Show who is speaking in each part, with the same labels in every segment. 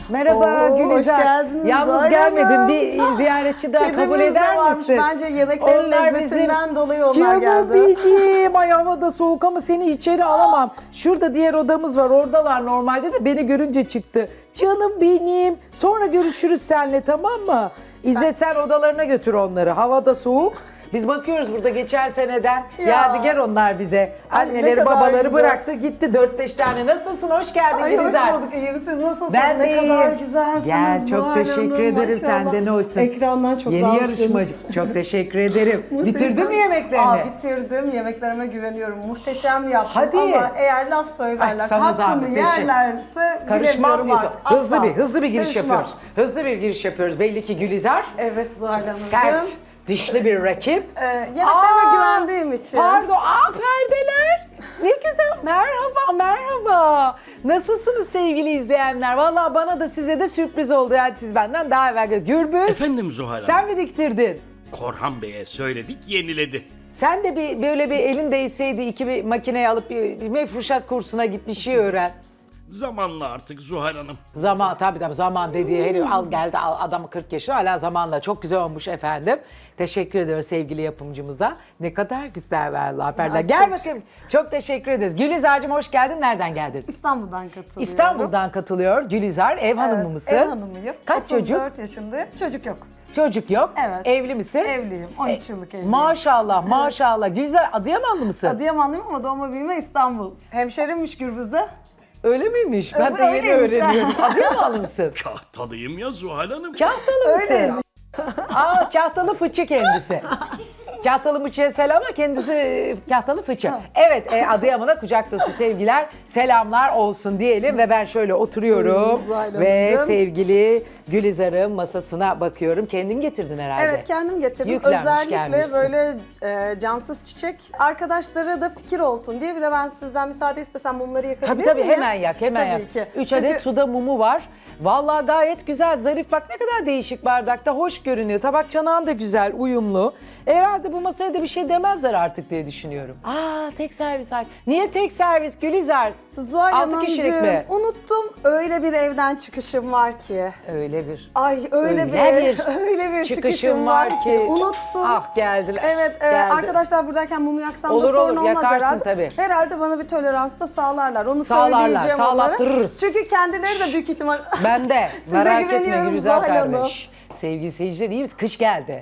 Speaker 1: Merhaba
Speaker 2: Oo,
Speaker 1: Gülizar.
Speaker 2: hoş geldiniz
Speaker 1: Yalnız
Speaker 2: Zuhal
Speaker 1: gelmedim.
Speaker 2: Hanım.
Speaker 1: Bir ziyaretçi daha kabul
Speaker 2: Kedimiz de
Speaker 1: eder
Speaker 2: varmış.
Speaker 1: misin?
Speaker 2: Bence yemeklerin lezzetinden dolayı onlar
Speaker 1: Canım
Speaker 2: geldi.
Speaker 1: benim. Ay hava da soğuk ama seni içeri alamam. Şurada diğer odamız var. Oradalar normalde de beni görünce çıktı. Canım benim. Sonra görüşürüz seninle, tamam mı? İzzet sen odalarına götür onları. Hava da soğuk. Biz bakıyoruz burada geçen seneden
Speaker 2: Ya.
Speaker 1: yadigar onlar bize.
Speaker 2: Ay, ne
Speaker 1: Anneleri
Speaker 2: kadar
Speaker 1: babaları
Speaker 2: güzel.
Speaker 1: bıraktı gitti 4-5 tane. Nasılsın? Hoş geldin
Speaker 2: Ay hoş
Speaker 1: Gülizar.
Speaker 2: bulduk. İyiyim. Siz nasılsınız?
Speaker 1: Ben de
Speaker 2: ne kadar
Speaker 1: iyiyim.
Speaker 2: güzelsiniz.
Speaker 1: Gel, çok
Speaker 2: Zuhal
Speaker 1: teşekkür
Speaker 2: Hanım,
Speaker 1: ederim.
Speaker 2: maşallah.
Speaker 1: Sen de ne hoşsun.
Speaker 2: Ekrandan çok
Speaker 1: Yeni
Speaker 2: daha hoş
Speaker 1: yarışmacı. Çok teşekkür ederim. Bitirdin mi yemeklerini?
Speaker 2: Bitirdim. Yemeklerime güveniyorum. Muhteşem yaptım.
Speaker 1: Hadi.
Speaker 2: Ama eğer laf söylerler,
Speaker 1: Ay, sana zahmet,
Speaker 2: hakkımı yerlerse
Speaker 1: Karışmam
Speaker 2: bilemiyorum
Speaker 1: diyorsun.
Speaker 2: artık.
Speaker 1: Hızlı
Speaker 2: Asla.
Speaker 1: hızlı bir giriş
Speaker 2: Karışmam.
Speaker 1: yapıyoruz. Hızlı bir giriş yapıyoruz. Belli ki Gülizar
Speaker 2: Evet Zuhal Hanımcığım.
Speaker 1: sert, dişli bir rakip.
Speaker 2: Yemeklerime güvendiğim için.
Speaker 1: Pardon, perdeler. Ne güzel. Merhaba, merhaba. Nasılsınız sevgili izleyenler? Vallahi bana da size de sürpriz oldu. Yani siz benden daha evvel Gürbüz.
Speaker 3: Efendim Zuhal Hanım.
Speaker 1: Sen mi diktirdin?
Speaker 3: Korhan Bey'e söyledik, yeniledi.
Speaker 1: Sen de böyle bir elin değseydi bir makineyi alıp bir mefruşat kursuna git bir şey öğren.
Speaker 3: Zamanla artık Zuhal Hanım.
Speaker 1: Zaman tabii zaman dediği herif al geldi adamı 40 yaşında hala zamanla çok güzel olmuş efendim. Teşekkür ediyoruz sevgili yapımcımıza. Ne kadar güzel vallahi perdeler.
Speaker 2: Ay,
Speaker 1: Gel
Speaker 2: çok
Speaker 1: bakayım. Çok teşekkür ederiz. Gülizar'cığım hoş geldin. Nereden geldin?
Speaker 2: İstanbul'dan katılıyorum.
Speaker 1: İstanbul'dan katılıyor Gülizar. Ev hanımı mısın?
Speaker 2: Ev hanımıyım.
Speaker 1: Kaç çocuk?
Speaker 2: 34 yaşındayım. Çocuk yok.
Speaker 1: Çocuk yok.
Speaker 2: Evet.
Speaker 1: Evli misin?
Speaker 2: Evliyim. 13 yıllık evliyim.
Speaker 1: Maşallah maşallah. Gülizar Adıyamanlı mısın?
Speaker 2: Adıyamanlıyım ama doğma büyüme İstanbul. Hemşerimmiş Gürbüz'de.
Speaker 1: Öyle miymiş? Ben de yeni
Speaker 2: Öyleymiş.
Speaker 1: öğreniyorum. Adıyamanlı mısın?
Speaker 3: Kahtalıyım ya Zuhal Hanım.
Speaker 1: Kahtalı mısın?
Speaker 2: Öyleymiş.
Speaker 1: Kahtalı fıçı kendisi. Kahtalı Mıçı'ya selam ama kendisi kahtalı fıçı. Evet, Adıyaman'a kucak dolusu sevgiler, selamlar olsun diyelim ve ben şöyle oturuyorum
Speaker 2: Zuhal
Speaker 1: ve
Speaker 2: Hanımcığım.
Speaker 1: sevgili Gülizar'ın masasına bakıyorum. Kendin getirdin herhalde.
Speaker 2: Evet kendim getirdim.
Speaker 1: Yüklenmiş,
Speaker 2: Özellikle
Speaker 1: gelmişsin.
Speaker 2: böyle cansız çiçek arkadaşlara da fikir olsun diye. Bir de ben sizden müsaade istesem mumları yakabilir
Speaker 1: Tabii
Speaker 2: miyim?
Speaker 1: hemen yak, hemen yak.
Speaker 2: Tabii ki.
Speaker 1: 3
Speaker 2: Çünkü
Speaker 1: adet suda mumu var. Vallahi gayet güzel, zarif. Bak ne kadar değişik bardakta, hoş görünüyor. Tabak çanağın da güzel, uyumlu. Herhalde bu masaya da bir şey demezler artık diye düşünüyorum. Tek servis. Niye tek servis Gülizar?
Speaker 2: Zuhal
Speaker 1: 6 kişilik mi?
Speaker 2: Hanımcığım unuttum. Öyle bir evden çıkışım var ki.
Speaker 1: Öyle bir.
Speaker 2: Ay öyle öyle bir çıkışım var ki. Unuttum.
Speaker 1: Ah geldiler.
Speaker 2: Evet,
Speaker 1: geldi.
Speaker 2: arkadaşlar buradayken mumu yaksam
Speaker 1: Olur,
Speaker 2: da sorun
Speaker 1: olur,
Speaker 2: olmaz
Speaker 1: yakarsın
Speaker 2: herhalde.
Speaker 1: tabii.
Speaker 2: Herhalde bana bir tolerans da sağlarlar. Onu
Speaker 1: Sağlarlar,
Speaker 2: söyleyeceğim onlara.
Speaker 1: sağlattırırız.
Speaker 2: Çünkü kendileri de büyük ihtimal...
Speaker 1: Ben de.
Speaker 2: Size
Speaker 1: Merak etme
Speaker 2: güveniyorum
Speaker 1: Gülizar
Speaker 2: Zuhal Hanım.
Speaker 1: kardeş. Sevgili seyirciler iyi misiniz? Kış geldi.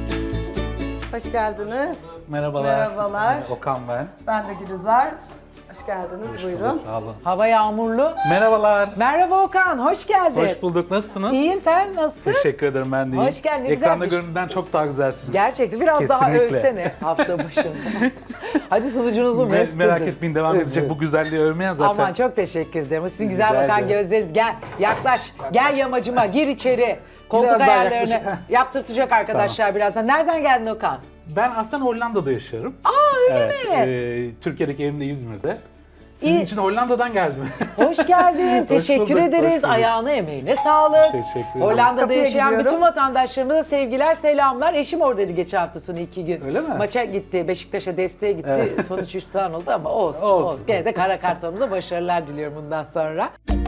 Speaker 2: Hoş geldiniz.
Speaker 4: Merhabalar.
Speaker 2: Merhabalar.
Speaker 4: Okan ben.
Speaker 2: Ben de Gülizar. Hoş geldiniz. Buyurun.
Speaker 4: Sağ olun.
Speaker 1: Hava yağmurlu.
Speaker 4: Merhabalar.
Speaker 1: Merhaba Okan, hoş geldin.
Speaker 4: Hoş bulduk. Nasılsınız?
Speaker 1: İyiyim, sen nasılsın?
Speaker 4: Teşekkür ederim, ben de iyiyim.
Speaker 1: Hoş geldin, ne
Speaker 4: Ekranda
Speaker 1: güzelmiş.
Speaker 4: göründüğünden çok daha güzelsiniz.
Speaker 1: Gerçekten biraz daha
Speaker 4: Kesinlikle.
Speaker 1: övsene hafta başında. Hadi sunucunuzu mesut
Speaker 4: Merak
Speaker 1: edin.
Speaker 4: etmeyin, devam edecek
Speaker 1: Övün.
Speaker 4: bu güzelliği övmeyen zaten.
Speaker 1: Aman çok teşekkür ederim. Sizin güzel
Speaker 4: Rica
Speaker 1: bakan
Speaker 4: ederim.
Speaker 1: gözleriniz. Gel, yaklaş. Gel yamacıma, gir içeri. Koltuk
Speaker 4: Biraz daha
Speaker 1: ayarlarını
Speaker 4: yaklaşık.
Speaker 1: yaptırtacak arkadaşlar birazdan. Nereden geldin Okan?
Speaker 4: Ben aslında Hollanda'da yaşıyorum.
Speaker 1: Öyle mi?
Speaker 4: Türkiye'deki evim de İzmir'de. Sizin
Speaker 1: İyi.
Speaker 4: için Hollanda'dan geldim.
Speaker 1: Hoş geldin. Teşekkür
Speaker 4: bulduk,
Speaker 1: ederiz.
Speaker 4: hoş bulduk.
Speaker 1: Ayağına emeğine sağlık.
Speaker 4: Teşekkür ederim.
Speaker 1: Hollanda'da
Speaker 2: Kapıya
Speaker 1: yaşayan
Speaker 2: gidiyorum.
Speaker 1: bütün vatandaşlarımıza sevgiler, selamlar. Eşim oradaydı geçen hafta sonu 2 gün.
Speaker 4: Öyle mi?
Speaker 1: Maça gitti, Beşiktaş'a desteğe gitti. Sonuç 3 tane oldu ama olsun.
Speaker 4: Olsun.
Speaker 1: Gene de kara kartalımıza başarılar diliyorum bundan sonra.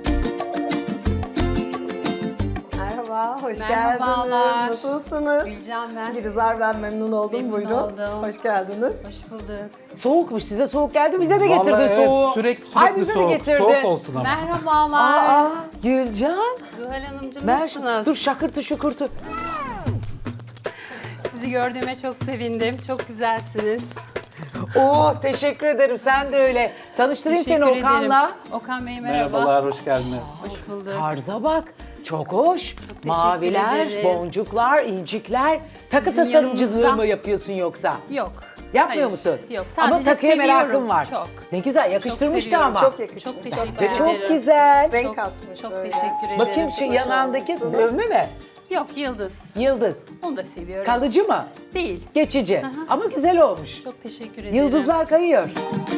Speaker 2: Merhaba, hoş
Speaker 5: Merhabalar.
Speaker 2: geldiniz. Nasılsınız?
Speaker 5: Gülcan ben.
Speaker 2: Gülizar ben memnun oldum.
Speaker 5: Memnun
Speaker 2: Buyurun.
Speaker 5: oldum.
Speaker 2: Hoş geldiniz.
Speaker 5: Hoş bulduk.
Speaker 1: Soğukmuş, size soğuk geldi. Bize de getirdin
Speaker 4: Vallahi evet,
Speaker 1: soğuğu.
Speaker 4: sürekli
Speaker 1: Ay bize
Speaker 4: soğuk.
Speaker 1: de getirdin.
Speaker 4: Soğuk olsun ama.
Speaker 5: Merhabalar.
Speaker 1: Gülcan.
Speaker 5: Zuhal Hanımcığım
Speaker 1: Ben
Speaker 5: nasılsınız?
Speaker 1: dur şakırtı şukurtu.
Speaker 5: Sizi gördüğüme çok sevindim. Çok güzelsiniz.
Speaker 1: Teşekkür ederim. Sen de öyle. Tanıştırayım seni
Speaker 5: Teşekkür
Speaker 1: Okan'la.
Speaker 5: ederim. Okan Bey merhaba.
Speaker 4: Merhabalar, hoş geldiniz.
Speaker 5: Hoş bulduk.
Speaker 1: Tarza bak. Çok hoş.
Speaker 5: teşekkür
Speaker 1: Maviler,
Speaker 5: ederim.
Speaker 1: boncuklar, incikler. Takı
Speaker 5: Sizin
Speaker 1: tasarımcılığı
Speaker 5: yanınızda-
Speaker 1: mı yapıyorsun yoksa?
Speaker 5: Yok.
Speaker 1: Yapmıyor
Speaker 5: Hayır,
Speaker 1: musun?
Speaker 5: Yok.
Speaker 1: Ama
Speaker 5: Sadece
Speaker 1: takıya
Speaker 5: seviyorum.
Speaker 1: merakın var.
Speaker 5: Çok.
Speaker 1: Ne güzel yakıştırmıştı
Speaker 5: seviyorum.
Speaker 1: ama.
Speaker 2: Çok yakışmış.
Speaker 5: Çok teşekkür
Speaker 2: güzel.
Speaker 5: ederim.
Speaker 1: Çok güzel.
Speaker 2: Renk
Speaker 5: Çok,
Speaker 2: katmış
Speaker 5: çok
Speaker 2: böyle.
Speaker 5: teşekkür ederim.
Speaker 1: Bakayım şu yanağındaki
Speaker 2: olmuşsunuz.
Speaker 1: dövme mi?
Speaker 5: Yok yıldız.
Speaker 1: Yıldız.
Speaker 5: Onu da seviyorum.
Speaker 1: Kalıcı mı?
Speaker 5: Değil.
Speaker 1: Geçici. Ama güzel olmuş.
Speaker 5: Çok teşekkür ederim.
Speaker 1: Yıldızlar kayıyor.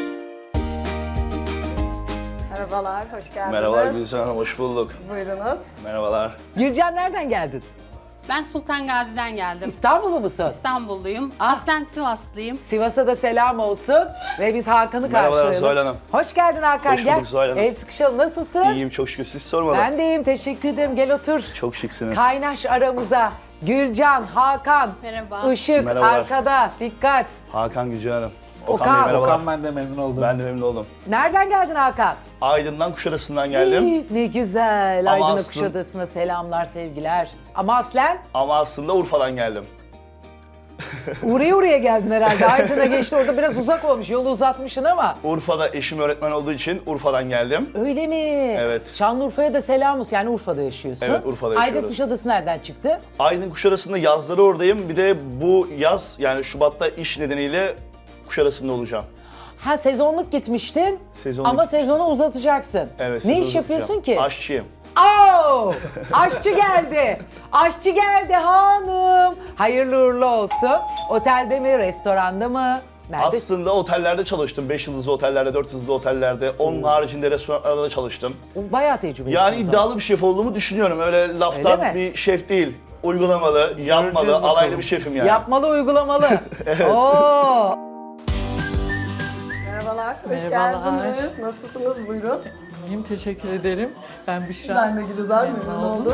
Speaker 2: Merhabalar, hoş geldiniz.
Speaker 6: Merhabalar Gülcan Hanım, hoş bulduk.
Speaker 2: Buyurunuz.
Speaker 6: Merhabalar.
Speaker 1: Gülcan nereden geldin?
Speaker 5: Ben Sultan Gazi'den geldim.
Speaker 1: İstanbullu musun?
Speaker 5: İstanbulluyum.
Speaker 1: Ah.
Speaker 5: Aslen Sivaslıyım.
Speaker 1: Sivas'a da selam olsun ve biz Hakan'ı
Speaker 6: Merhabalar
Speaker 1: karşılayalım.
Speaker 6: Zuhal Hanım.
Speaker 1: Hoş geldin Hakan,
Speaker 6: Hoş
Speaker 1: gel.
Speaker 6: bulduk Zuhal Hanım.
Speaker 1: El sıkışalım. Nasılsın?
Speaker 6: İyiyim çok şükür. Siz sormalı.
Speaker 1: Ben de iyiyim, teşekkür ederim. Gel otur.
Speaker 6: Çok şıksınız.
Speaker 1: Kaynaş aramıza. Gülcan, Hakan,
Speaker 5: Merhaba.
Speaker 1: Işık
Speaker 6: Merhabalar.
Speaker 1: arkada. Dikkat.
Speaker 6: Hakan Gülcan Hanım.
Speaker 1: Okan.
Speaker 6: Bey merhabalar.
Speaker 4: Okan ben de memnun oldum.
Speaker 6: Ben de memnun oldum.
Speaker 1: Nereden geldin Hakan?
Speaker 6: Aydın'dan Kuşadası'ndan geldim.
Speaker 1: İyi, ne güzel.
Speaker 6: Ama
Speaker 1: Aydın'a
Speaker 6: aslında-
Speaker 1: Kuşadası'na selamlar, sevgiler. Ama aslen
Speaker 6: Ama aslında Urfa'dan geldim.
Speaker 1: oraya geldin herhalde. Aydın'a geçti, orada biraz uzak olmuş. Yolu uzatmışsın ama.
Speaker 6: Urfa'da eşim öğretmen olduğu için Urfa'dan geldim.
Speaker 1: Öyle mi?
Speaker 6: Evet.
Speaker 1: Şanlıurfa'ya da selam olsun. Yani Urfa'da yaşıyorsun.
Speaker 6: Evet, Urfa'da
Speaker 1: Aydın
Speaker 6: yaşıyoruz.
Speaker 1: Kuşadası nereden çıktı?
Speaker 6: Aydın Kuşadası'nda yazları oradayım. Bir de bu yaz yani Şubat'ta iş nedeniyle Kuşadası'nda olacağım.
Speaker 1: Ha, sezonluk gitmiştin
Speaker 6: Sezonluk
Speaker 1: ama
Speaker 6: gitmiştim.
Speaker 1: sezonu uzatacaksın.
Speaker 6: Evet.
Speaker 1: Ne
Speaker 6: sezonu
Speaker 1: iş yapıyorsun
Speaker 6: uzatacağım.
Speaker 1: ki?
Speaker 6: Aşçıyım.
Speaker 1: Oo! Aşçı geldi. Aşçı geldi hanım. Hayırlı uğurlu olsun. Otelde mi, restoranda mı? Nerede?
Speaker 6: Aslında otellerde çalıştım. 5 yıldızlı otellerde, 4 yıldızlı otellerde. Onun haricinde restoranlarda da çalıştım.
Speaker 1: Bayağı tecrübelisin.
Speaker 6: Yani
Speaker 1: o zaman.
Speaker 6: iddialı bir şef olduğumu düşünüyorum. Öyle laftan
Speaker 1: Öyle mi?
Speaker 6: bir şef değil. Uygulamalı, yapmalı,
Speaker 4: bakalım.
Speaker 6: alaylı bir şefim yani.
Speaker 1: Yapmalı, uygulamalı. Oo!
Speaker 2: Merhabalar, hoş
Speaker 7: Merhabalar.
Speaker 2: geldiniz. Nasılsınız? Buyurun.
Speaker 7: İyiyim, teşekkür ederim. Ben Büşra.
Speaker 2: Ben de Gülizar, memnun oldum.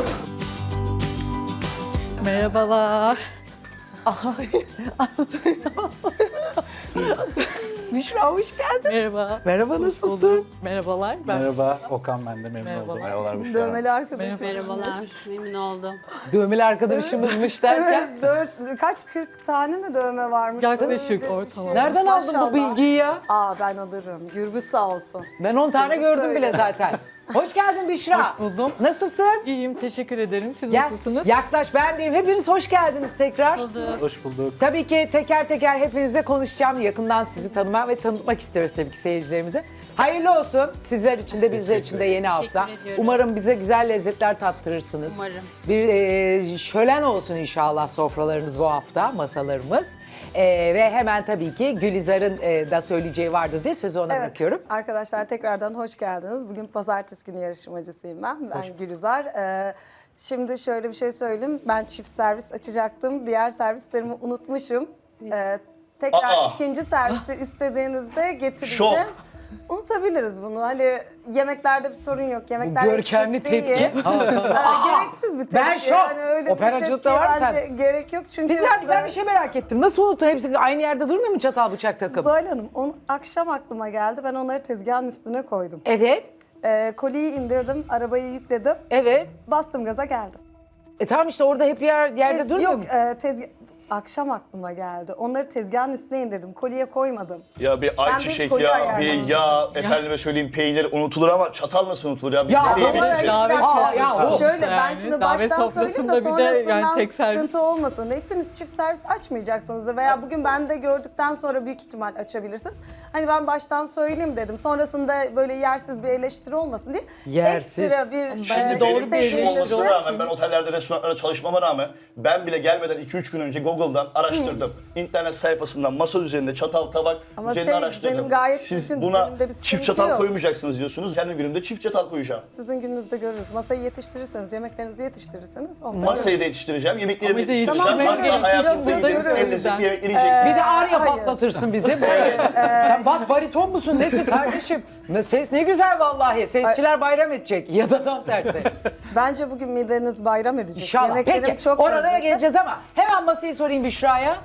Speaker 7: Merhabalar.
Speaker 1: Büşra hoş geldin.
Speaker 7: Merhaba.
Speaker 1: Merhaba,
Speaker 7: Hoş
Speaker 1: nasılsın?
Speaker 7: bulduk. Merhabalar. Ben
Speaker 4: Merhaba Okan ben de memnun
Speaker 7: Merhabalar.
Speaker 4: oldum.
Speaker 6: Merhabalar Büşra Hanım.
Speaker 2: Dövmeli arkadaşım.
Speaker 5: Merhabalar. Memnun oldum.
Speaker 1: Dövmeli arkadaşımızmış derken.
Speaker 2: Evet, 40 tane mi dövme varmış?
Speaker 7: Yaklaşık
Speaker 2: Öyle bir
Speaker 7: ortalama.
Speaker 1: Nereden aldın bu
Speaker 2: Maşallah.
Speaker 1: bilgiyi ya?
Speaker 2: Ben alırım. Gürbüz sağ olsun.
Speaker 1: Ben 10 tane gördüm
Speaker 2: Söyle.
Speaker 1: bile zaten. Hoş geldin Büşra.
Speaker 7: Hoş buldum.
Speaker 1: Nasılsın?
Speaker 7: İyiyim, teşekkür ederim. Siz
Speaker 1: Gel,
Speaker 7: nasılsınız?
Speaker 1: yaklaş, ben deyim. Hepiniz hoş geldiniz tekrar.
Speaker 5: Bulduk.
Speaker 4: Hoş bulduk.
Speaker 1: Tabii ki teker teker hepinizle konuşacağım. Yakından sizi tanımak ve tanıtmak istiyoruz tabii ki seyircilerimize. Hayırlı olsun sizler için de bizler için de yeni
Speaker 5: Teşekkür
Speaker 1: hafta.
Speaker 5: ediyoruz.
Speaker 1: Umarım bize güzel lezzetler tattırırsınız.
Speaker 5: Umarım.
Speaker 1: Bir şölen olsun inşallah sofralarımız bu hafta, masalarımız. Ve hemen tabii ki Gülizar'ın da söyleyeceği vardır diye sözü ona bırakıyorum.
Speaker 2: Arkadaşlar tekrardan hoş geldiniz. Bugün pazartesi günü yarışmacısıyım ben. Ben Gülizar. Şimdi şöyle bir şey söyleyeyim. Ben çift servis açacaktım. Diğer servislerimi unutmuşum. Tekrar
Speaker 6: Aa!
Speaker 2: ikinci servisi istediğinizde getireceğim.
Speaker 6: Şok.
Speaker 2: Unutabiliriz bunu. Hani yemeklerde bir sorun yok. Yemeklerde
Speaker 1: Görkemli
Speaker 2: eksik değil.
Speaker 1: tepki.
Speaker 2: Gereksiz bir tepki.
Speaker 1: Ben şok.
Speaker 2: öyle bir
Speaker 1: Operacılıkta
Speaker 2: tepkiye
Speaker 1: var mı
Speaker 2: bence gerek yok. Çünkü
Speaker 1: Ben bir şey merak ettim. Nasıl unuttun? Hepsi aynı yerde durmuyor mu çatal bıçak takım?
Speaker 2: Zuhal Hanım, akşam aklıma geldi. Ben onları tezgahın üstüne koydum.
Speaker 1: Evet,
Speaker 2: Koliyi indirdim, arabayı yükledim.
Speaker 1: evet.
Speaker 2: Bastım gaza geldim.
Speaker 1: Tamam işte orada hep yerde durmuyor
Speaker 2: Yok,
Speaker 1: mu?
Speaker 2: akşam aklıma geldi. Onları tezgahın üstüne indirdim. Koliye koymadım.
Speaker 6: Ya bir
Speaker 2: bir
Speaker 6: ayçiçek
Speaker 2: koli
Speaker 6: ya, bir
Speaker 2: ayarlamıştım.
Speaker 6: yağ, efendime söyleyeyim peynir unutulur ama çatal nasıl unutulur ya?
Speaker 1: Ya,
Speaker 6: Bizde değil,
Speaker 1: ama
Speaker 6: bizde.
Speaker 7: davet
Speaker 1: o-
Speaker 2: Şöyle ben
Speaker 7: yani,
Speaker 2: şimdi
Speaker 7: davet
Speaker 2: baştan söyleyeyim de
Speaker 7: sofrasında bir de
Speaker 2: sonrasından
Speaker 7: yani tek servis.
Speaker 2: sıkıntı olmasın. Hepiniz çift servis açmayacaksınızdır veya bugün ben de gördükten sonra büyük ihtimal açabilirsiniz. Hani ben baştan söyleyeyim dedim. Sonrasında böyle yersiz bir eleştiri olmasın diye.
Speaker 1: Yersiz.
Speaker 2: Ekstra bir
Speaker 7: Bence doğru
Speaker 6: Benim
Speaker 7: bir
Speaker 6: işim
Speaker 7: eleştiri
Speaker 6: olmasına
Speaker 7: olur.
Speaker 6: rağmen ben otellerde, restoranlarda çalışmama rağmen ben bile gelmeden 2-3 gün önce Google'dan araştırdım. İnternet sayfasından masa üzerinde çatal, tabak
Speaker 2: Ama
Speaker 6: üzerinde
Speaker 2: düzenim
Speaker 6: araştırdım.
Speaker 2: gayet
Speaker 6: Siz
Speaker 2: düzgün,
Speaker 6: buna
Speaker 2: düzeninde bir sıkıntı
Speaker 6: çift çatal
Speaker 2: yok.
Speaker 6: koymayacaksınız diyorsunuz. Kendi günümde çift çatal koyacağım.
Speaker 2: Sizin gününüzde görürüz. Masayı yetiştirirseniz, yemeklerinizi yetiştirirseniz ondan
Speaker 6: Masayı da yetiştireceğim, yemeklerimi
Speaker 7: Ama
Speaker 6: de
Speaker 7: işte
Speaker 6: yetiştireceğim.
Speaker 2: yetiştirmek
Speaker 6: Hatta
Speaker 2: gerekiyor.
Speaker 6: hayatınızda
Speaker 2: Burada
Speaker 6: yediğiniz en
Speaker 2: görüyoruz
Speaker 6: lezzetli
Speaker 7: ben.
Speaker 6: yemekleri yiyeceksiniz.
Speaker 1: Bir de ağrıya
Speaker 2: hayır.
Speaker 1: patlatırsın bizi. Sen bas bariton musun? Nesin kardeşim? Ses ne güzel vallahi. Sesçiler bayram edecek. Ya da tam tersi.
Speaker 2: Bence bugün mideniz bayram edecek.
Speaker 1: İnşallah.
Speaker 2: Yemeklerim
Speaker 1: Peki
Speaker 2: çok
Speaker 1: oralara
Speaker 2: lezzetli.
Speaker 1: geleceğiz ama hemen masayı sorayım Büşra'ya.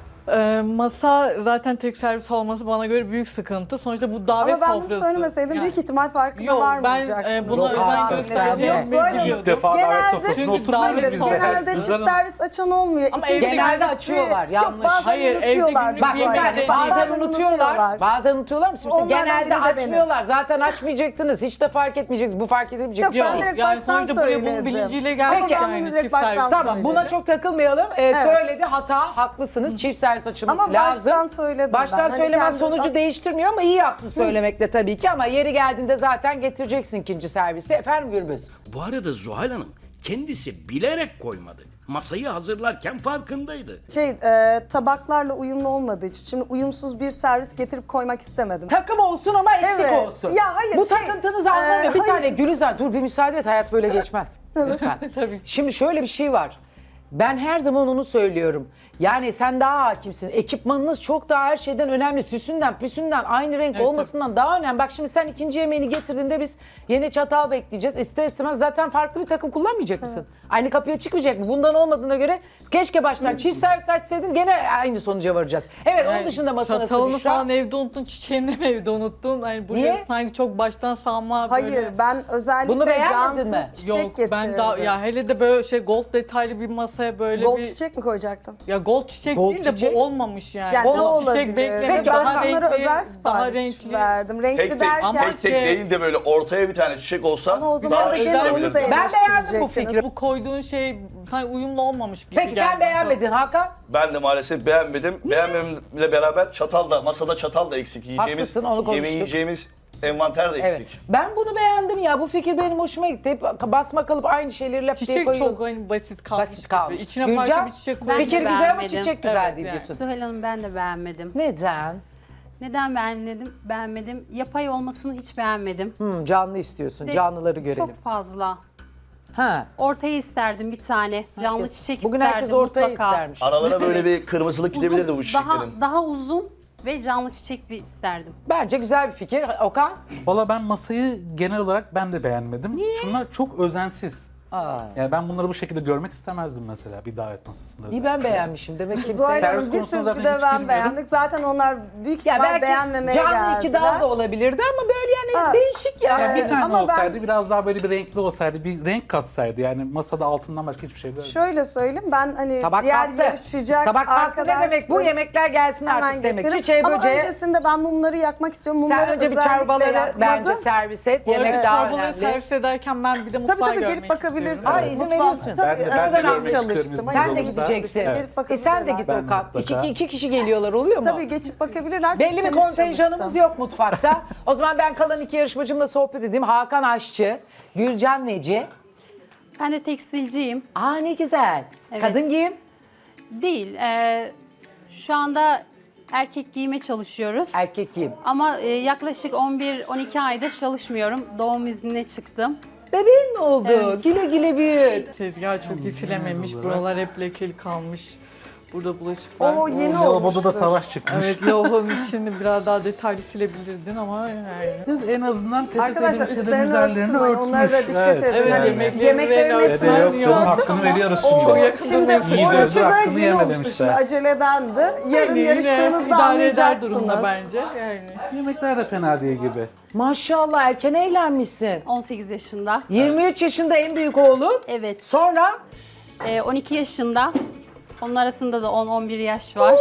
Speaker 7: Masa zaten tek servis olması bana göre büyük sıkıntı. Sonuçta bu davet
Speaker 2: Ama ben bunu
Speaker 7: sofrası.
Speaker 2: söylemeseydim
Speaker 7: Yani.
Speaker 2: büyük ihtimal farkında
Speaker 7: Yok, ben
Speaker 2: varmayacaktınız.
Speaker 7: buna
Speaker 1: Yok
Speaker 7: özen
Speaker 1: artık,
Speaker 7: göstereceğim.
Speaker 1: sen de.
Speaker 2: Yok, böyle
Speaker 7: biliyordum.
Speaker 4: İlk defa davet
Speaker 2: Genelde-
Speaker 4: sofrasına
Speaker 7: Çünkü
Speaker 4: oturmuyoruz
Speaker 7: davet
Speaker 4: biz de.
Speaker 2: Genelde
Speaker 4: Güzel
Speaker 2: çift
Speaker 4: Hanım.
Speaker 2: servis açan olmuyor.
Speaker 7: Ama
Speaker 2: İkinci
Speaker 7: evde
Speaker 1: genelde
Speaker 2: servisi-
Speaker 1: açıyorlar, yanlış.
Speaker 2: Yok, bazen
Speaker 7: Hayır, evde
Speaker 2: unutuyorlar.
Speaker 7: günlük
Speaker 1: Bak
Speaker 7: bir yemek
Speaker 1: yani
Speaker 7: deneyelim.
Speaker 1: bazen unutuyorlar. Bazen unutuyorlar mı? Şimdi
Speaker 2: Onlardan
Speaker 1: genelde
Speaker 2: biri de benim.
Speaker 1: açmıyorlar. Zaten açmayacaktınız. Hiç de fark etmeyeceksiniz. Bu fark edilmeyecek.
Speaker 2: Yok,
Speaker 1: bir şey
Speaker 2: ben
Speaker 1: değil.
Speaker 2: direkt
Speaker 7: Yani
Speaker 2: baştan
Speaker 7: sonuçta buraya bunun
Speaker 2: söyledim.
Speaker 7: bilinciyle geldik
Speaker 1: Peki.
Speaker 2: Ama ben
Speaker 7: yani
Speaker 2: bunu direkt
Speaker 7: çift
Speaker 2: baştan
Speaker 7: servis.
Speaker 1: Tamam
Speaker 2: söyledim.
Speaker 1: buna çok takılmayalım. Söyledi hata, haklısınız. Çift servis açılması
Speaker 2: Ama
Speaker 1: lazım.
Speaker 2: baştan söyledim
Speaker 1: Baştan
Speaker 2: ben. Hani
Speaker 1: söylemen
Speaker 2: kendim-
Speaker 1: sonucu değiştirmiyor ama iyi yaptın söylemekle tabii ki. Ama yeri geldiğinde zaten getireceksin ikinci servisi. Efendim Gürbüz?
Speaker 3: Bu arada Zuhal Hanım kendisi bilerek koymadı. Masayı hazırlarken farkındaydı.
Speaker 2: Tabaklarla uyumlu olmadığı için şimdi uyumsuz bir servis getirip koymak istemedim.
Speaker 1: Takım olsun ama eksik
Speaker 2: Evet.
Speaker 1: olsun.
Speaker 2: Ya hayır,
Speaker 1: Bu
Speaker 2: şey,
Speaker 1: takıntınızı anlamıyor. Bir
Speaker 2: hayır.
Speaker 1: saniye Gülizar dur bir müsaade et, hayat böyle geçmez. Lütfen.
Speaker 7: Tabii.
Speaker 1: Şimdi şöyle bir şey var. Ben her zaman onu söylüyorum. Yani sen daha hakimsin. Ekipmanınız çok daha her şeyden önemli. Süsünden, püsünden, aynı renk
Speaker 7: Evet,
Speaker 1: olmasından daha önemli. Bak şimdi sen ikinci yemeğini getirdiğinde biz yine çatal bekleyeceğiz. İster istemez zaten farklı bir takım kullanmayacak mısın? Aynı kapıya çıkmayacak mı? Bundan olmadığına göre keşke baştan çift servis açsaydın gene aynı sonuca varacağız. Evet onun dışında masa nasıl
Speaker 7: Çatalını
Speaker 1: Büşra?
Speaker 7: falan evde unuttun, çiçeğini mi evde unuttun? Hani buraya
Speaker 1: Niye?
Speaker 7: sanki çok baştan savma
Speaker 2: Hayır
Speaker 7: böyle.
Speaker 2: ben özellikle
Speaker 1: Bunu beğenmedin
Speaker 2: cansız
Speaker 1: mi?
Speaker 2: çiçek
Speaker 7: Yok
Speaker 2: getirdim.
Speaker 7: ben daha ya hele de böyle şey gold detaylı bir masaya böyle
Speaker 2: Gold
Speaker 7: bir
Speaker 2: çiçek mi koyacaktım?
Speaker 7: ya gold çiçek
Speaker 1: Gold
Speaker 7: değil de
Speaker 1: çiçek?
Speaker 7: bu olmamış yani.
Speaker 2: Yani
Speaker 7: Gold
Speaker 2: ne olabilir?
Speaker 7: çiçek bekleme
Speaker 2: Peki
Speaker 7: daha
Speaker 2: ben onlara
Speaker 7: renkli,
Speaker 2: özel
Speaker 7: daha
Speaker 2: sipariş
Speaker 7: renkli.
Speaker 2: verdim. Renkli
Speaker 6: Tek tek,
Speaker 2: derken
Speaker 7: Ama
Speaker 6: tek tek
Speaker 7: şey-
Speaker 6: değil de böyle ortaya bir tane çiçek olsa
Speaker 2: ama o zaman
Speaker 6: daha
Speaker 2: da
Speaker 6: şık
Speaker 2: gene onu da
Speaker 6: olabilirdi.
Speaker 1: Ben beğendim bu
Speaker 2: eleştirecektiniz.
Speaker 1: fikri.
Speaker 7: Bu koyduğun şey sanki uyumlu olmamış gibi
Speaker 1: Peki sen
Speaker 7: geldi.
Speaker 1: beğenmedin Hakan.
Speaker 6: Ben de maalesef beğenmedim. Beğenmememle beraber masada çatal da eksik. Yiyeceğimiz,
Speaker 1: Haklısın, onu konuştuk.
Speaker 6: yemeği yiyeceğimiz envanter de
Speaker 1: Evet.
Speaker 6: eksik.
Speaker 1: Ben bunu beğendim ya. Bu fikir benim hoşuma gitti. Hep basma kalıp aynı şeyleri lap diye
Speaker 7: Çiçek
Speaker 1: koyuyor.
Speaker 7: çok hani basit kalmış.
Speaker 1: Basit kalmış.
Speaker 7: Gibi. İçine
Speaker 1: Gülcan,
Speaker 7: farklı bir çiçek
Speaker 5: Ben
Speaker 7: koyuyor.
Speaker 5: de
Speaker 1: fikir güzel ama
Speaker 5: beğenmedim.
Speaker 1: çiçek güzel
Speaker 7: Evet,
Speaker 1: değil
Speaker 7: yani.
Speaker 1: diyorsun.
Speaker 5: Süheyl Hanım ben de beğenmedim.
Speaker 1: Neden?
Speaker 5: Neden beğenmedim? Yapay olmasını hiç beğenmedim.
Speaker 1: Canlı istiyorsun.
Speaker 5: De-
Speaker 1: Canlıları görelim.
Speaker 5: Çok fazla.
Speaker 1: Ha.
Speaker 5: Ortaya isterdim bir tane. Canlı çiçek
Speaker 1: Bugün
Speaker 5: isterdim
Speaker 1: herkes ortaya
Speaker 5: mutlaka.
Speaker 1: istermiş.
Speaker 6: Aralara böyle
Speaker 5: Evet.
Speaker 6: bir kırmızılık gidebilirdi bu
Speaker 5: Uzun,
Speaker 6: çiçeklerin.
Speaker 5: daha uzun ve canlı çiçek bir isterdim.
Speaker 1: Bence güzel bir fikir. Okan?
Speaker 4: Valla ben masayı genel olarak ben de beğenmedim. Şunlar çok özensiz.
Speaker 1: Aa.
Speaker 4: Yani ben bunları bu şekilde görmek istemezdim mesela bir davet masasında.
Speaker 1: İyi ben beğenmişim. Demek ki
Speaker 2: Zuhal
Speaker 4: Servis
Speaker 2: Hanım bir
Speaker 4: konusunu
Speaker 2: siz
Speaker 4: zaten
Speaker 2: bir de
Speaker 4: hiç
Speaker 2: ben
Speaker 4: bilmiyorum.
Speaker 2: beğendik. Zaten onlar büyük
Speaker 1: ya
Speaker 2: ihtimal
Speaker 1: belki
Speaker 2: beğenmemeye
Speaker 1: canlı
Speaker 2: geldiler.
Speaker 1: iki dal da olabilirdi ama böyle yani
Speaker 2: Ha.
Speaker 1: değişik ya.
Speaker 4: Yani bir tane
Speaker 2: Ama ben-
Speaker 4: olsaydı biraz daha böyle bir renkli olsaydı, bir renk katsaydı. Yani masada altından başka hiçbir şey görmedim.
Speaker 2: Şöyle söyleyeyim ben hani
Speaker 1: Tabak
Speaker 2: diğer
Speaker 1: kalktı.
Speaker 2: yarışacak
Speaker 1: Tabak kalktı ne
Speaker 2: arkadaşlarım
Speaker 1: demek? Bu yemekler gelsin
Speaker 2: hemen
Speaker 1: artık demek.
Speaker 2: getiririm.
Speaker 1: Çiçeği
Speaker 2: Ama
Speaker 1: böceği.
Speaker 2: öncesinde ben mumları yakmak istiyorum.
Speaker 1: Sen
Speaker 2: Mumları
Speaker 1: önce bir
Speaker 2: özellikle
Speaker 1: çorbaları
Speaker 2: yakmadım.
Speaker 1: bence servis et. Yemek daha
Speaker 7: Çorbaları
Speaker 1: önemli.
Speaker 7: servis ederken ben bir de mutfağı
Speaker 2: Tabii
Speaker 7: görmek
Speaker 2: gelip bakabilirsiniz.
Speaker 7: istiyorum.
Speaker 1: Ay, izin
Speaker 2: Mutfağa-
Speaker 1: veriyorsun.
Speaker 2: Tabii,
Speaker 4: Ben de
Speaker 2: öğlen
Speaker 4: görmek
Speaker 2: az
Speaker 4: istiyorum
Speaker 2: çalıştım.
Speaker 4: izin
Speaker 1: Sen de
Speaker 4: yolunuzda.
Speaker 1: gideceksin.
Speaker 2: Gelip
Speaker 1: E sen de git
Speaker 4: Ben
Speaker 1: Okan.
Speaker 4: mutlaka.
Speaker 1: İki kişi geliyorlar oluyor mu?
Speaker 2: Tabii geçip bakabilirler.
Speaker 1: Belli
Speaker 2: Çok
Speaker 1: bir
Speaker 2: temiz
Speaker 1: kontenjanımız
Speaker 2: çalıştım.
Speaker 1: yok mutfakta. O zaman ben kalan iki yarışmacımla sohbet edeyim. Hakan Aşçı, Gülcan Neci.
Speaker 5: Ben de tekstilciyim.
Speaker 1: Aa ne güzel.
Speaker 5: Evet.
Speaker 1: Kadın giyim.
Speaker 5: Değil. Şu anda erkek giyime çalışıyoruz.
Speaker 1: Erkek giyim.
Speaker 5: Ama yaklaşık 11-12 aydır çalışmıyorum. Doğum iznine çıktım.
Speaker 1: Bebeğin mi oldu?
Speaker 5: Evet.
Speaker 1: Güle güle büyüt.
Speaker 7: Tezgah çok iyi silememiş. Buralar hep lekeli kalmış. Burada bulaşık var.
Speaker 2: O yeni
Speaker 4: Lavaboda
Speaker 2: olmuştur.
Speaker 4: da savaş çıkmış.
Speaker 7: Evet, lavabonun içini biraz daha detaylı silebilirdin ama yani.
Speaker 4: Kız en azından
Speaker 2: Arkadaşlar
Speaker 4: peçetelerin
Speaker 2: üstlerini
Speaker 4: üzerlerini
Speaker 2: örtün. Onlara da
Speaker 4: örtmüş.
Speaker 2: dikkat edin.
Speaker 7: Evet,
Speaker 4: Yani.
Speaker 7: yemeklerin
Speaker 2: hepsini
Speaker 4: Dede yok
Speaker 2: örtün.
Speaker 4: canım hakkını veriyoruz
Speaker 2: O
Speaker 4: şimdi.
Speaker 7: yakında
Speaker 2: şimdi
Speaker 7: nefret
Speaker 4: ediyorum.
Speaker 2: ortada
Speaker 4: Hakkını
Speaker 2: yeni
Speaker 4: yeme
Speaker 2: olmuştu.
Speaker 4: demişler.
Speaker 2: Şimdi aceledendi. Yarın
Speaker 7: Yine
Speaker 2: yarıştığınızda
Speaker 7: idare eder durumda
Speaker 2: anlayacaksınız.
Speaker 7: bence. Yani.
Speaker 4: Yemekler de fena değil gibi.
Speaker 1: Maşallah erken evlenmişsin.
Speaker 5: 18 yaşında.
Speaker 1: 23 yaşında en büyük oğlun.
Speaker 5: Evet.
Speaker 1: Sonra
Speaker 5: 12 yaşında. Onun arasında da 10-11 yaş var.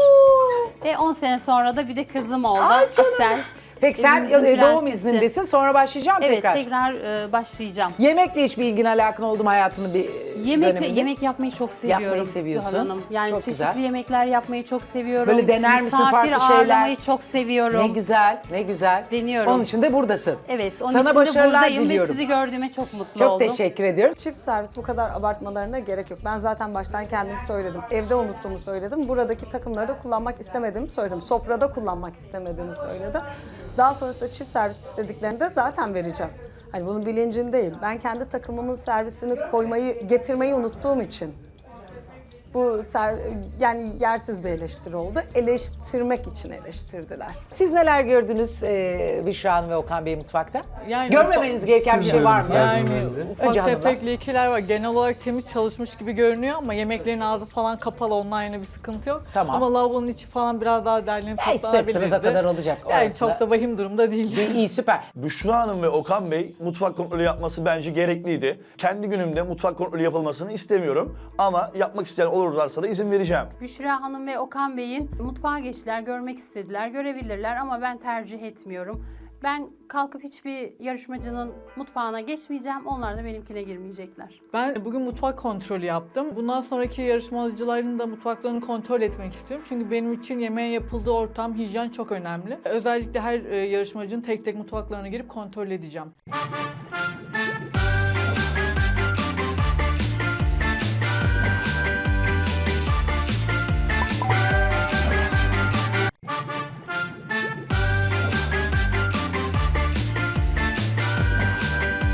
Speaker 5: 10 sene sonra da bir de kızım oldu.
Speaker 1: Ay canım.
Speaker 5: Asel.
Speaker 1: peki sen
Speaker 5: Evimizin
Speaker 1: doğum
Speaker 5: prensesi.
Speaker 1: izindesin sonra başlayacağım
Speaker 5: Evet
Speaker 1: tekrar.
Speaker 5: tekrar başlayacağım.
Speaker 1: Yemekle hiçbir ilgin alakan oldu mu hayatının bir döneminde?
Speaker 5: Yemek yapmayı çok seviyorum.
Speaker 1: Yapmayı seviyorsun.
Speaker 5: Zuhal Hanım. Yani
Speaker 1: Çok
Speaker 5: çeşitli
Speaker 1: güzel.
Speaker 5: yemekler yapmayı çok seviyorum.
Speaker 1: Böyle dener misin
Speaker 5: Misafir
Speaker 1: farklı şeyler?
Speaker 5: ağırlamayı çok seviyorum.
Speaker 1: Ne güzel, ne güzel.
Speaker 5: Deniyorum.
Speaker 1: Onun için de buradasın.
Speaker 5: Evet, onun
Speaker 1: Sana
Speaker 5: için de
Speaker 1: başarılar
Speaker 5: buradayım
Speaker 1: diliyorum.
Speaker 5: ve sizi gördüğüme çok mutlu
Speaker 1: Çok
Speaker 5: oldum.
Speaker 1: teşekkür ediyorum.
Speaker 2: Çift servis bu kadar abartmalarına gerek yok. Ben zaten baştan kendim söyledim. Evde unuttuğumu söyledim. Buradaki takımları da kullanmak istemediğimi söyledim. Sofrada kullanmak istemediğimi söyledim. Daha sonrasında çift servis dediklerinde zaten vereceğim. Hani bunun bilincindeyim. Ben kendi takımımın servisini getirmeyi unuttuğum için bu yani yersiz bir eleştiri oldu. Eleştirmek için eleştirdiler.
Speaker 1: Siz neler gördünüz Büşra Hanım ve Okan Bey mutfakta?
Speaker 7: Yani
Speaker 1: Görmemeniz gereken bir
Speaker 4: Siz
Speaker 1: şey var mı?
Speaker 4: gördünüz her
Speaker 7: Yani
Speaker 4: zaman önce.
Speaker 7: ufak
Speaker 1: Önce hanımlar.
Speaker 7: tefek lekeler var. Genel olarak temiz çalışmış gibi görünüyor ama yemeklerin ağzı falan kapalı. Onunla yine bir sıkıntı yok.
Speaker 1: Tamam.
Speaker 7: Ama lavabonun içi falan biraz daha derlenip
Speaker 1: Ya ister istemez
Speaker 7: toplanabilirdi.
Speaker 1: o kadar olacak.
Speaker 7: Yani
Speaker 1: Orası
Speaker 7: çok
Speaker 1: da-
Speaker 7: da vahim durumda değil.
Speaker 1: İyi süper.
Speaker 6: Büşra Hanım ve Okan Bey mutfak kontrolü yapması bence gerekliydi. Kendi günümde mutfak kontrolü yapılmasını istemiyorum. Ama yapmak isteyen olurlarsa da izin vereceğim.
Speaker 5: Büşra Hanım ve Okan Bey'in mutfağa geçtiler, görmek istediler, görebilirler ama ben tercih etmiyorum. Ben kalkıp hiçbir yarışmacının mutfağına geçmeyeceğim, onlar da benimkine girmeyecekler.
Speaker 7: Ben bugün mutfak kontrolü yaptım. Bundan sonraki yarışmacıların da mutfaklarını kontrol etmek istiyorum. Çünkü benim için yemeğin yapıldığı ortam, hijyen çok önemli. Özellikle her yarışmacının tek tek mutfaklarına girip kontrol edeceğim.